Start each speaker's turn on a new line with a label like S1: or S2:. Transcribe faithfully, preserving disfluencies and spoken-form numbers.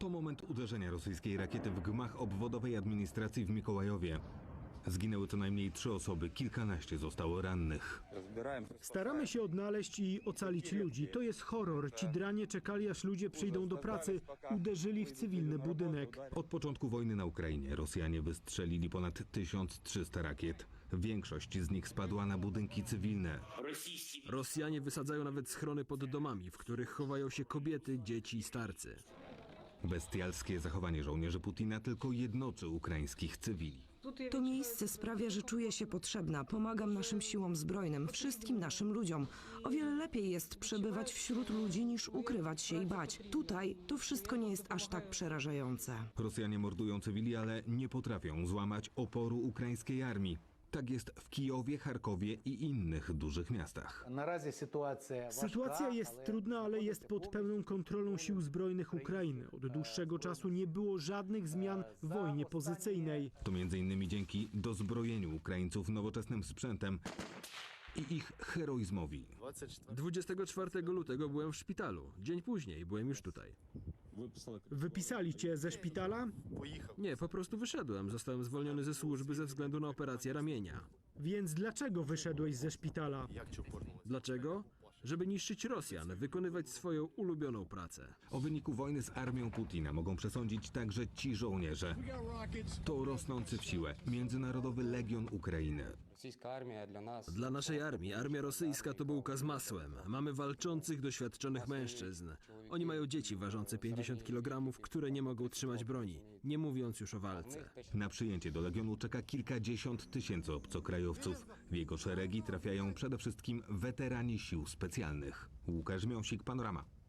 S1: To moment uderzenia rosyjskiej rakiety w gmach obwodowej administracji w Mikołajowie. Zginęły co najmniej trzy osoby, kilkanaście zostało rannych.
S2: Staramy się odnaleźć i ocalić ludzi. To jest horror. Ci dranie czekali, aż ludzie przyjdą do pracy. Uderzyli w cywilny budynek.
S1: Od początku wojny na Ukrainie Rosjanie wystrzelili ponad tysiąc trzysta rakiet. Większość z nich spadła na budynki cywilne.
S3: Rosjanie wysadzają nawet schrony pod domami, w których chowają się kobiety, dzieci i starcy.
S1: Bestialskie zachowanie żołnierzy Putina tylko jednoczy ukraińskich cywili.
S4: To miejsce sprawia, że czuję się potrzebna. Pomagam naszym siłom zbrojnym, wszystkim naszym ludziom. O wiele lepiej jest przebywać wśród ludzi, niż ukrywać się i bać. Tutaj to wszystko nie jest aż tak przerażające.
S1: Rosjanie mordują cywili, ale nie potrafią złamać oporu ukraińskiej armii. Tak jest w Kijowie, Charkowie i innych dużych miastach.
S2: Sytuacja jest trudna, ale jest pod pełną kontrolą sił zbrojnych Ukrainy. Od dłuższego czasu nie było żadnych zmian w wojnie pozycyjnej.
S1: To między innymi dzięki dozbrojeniu Ukraińców nowoczesnym sprzętem i ich heroizmowi.
S3: dwudziestego czwartego lutego byłem w szpitalu. Dzień później byłem już tutaj.
S2: Wypisali cię ze szpitala?
S3: Nie, po prostu wyszedłem. Zostałem zwolniony ze służby ze względu na operację ramienia.
S2: Więc dlaczego wyszedłeś ze szpitala?
S3: Dlaczego? Żeby niszczyć Rosjan, wykonywać swoją ulubioną pracę.
S1: O wyniku wojny z armią Putina mogą przesądzić także ci żołnierze. To rosnący w siłę Międzynarodowy Legion Ukrainy.
S3: Dla naszej armii, armia rosyjska to bułka z masłem. Mamy walczących, doświadczonych mężczyzn. Oni mają dzieci ważące pięćdziesiąt kilogramów, które nie mogą trzymać broni, nie mówiąc już o walce.
S1: Na przyjęcie do Legionu czeka kilkadziesiąt tysięcy obcokrajowców. W jego szeregi trafiają przede wszystkim weterani sił specjalnych. Łukasz Miąsik, Panorama.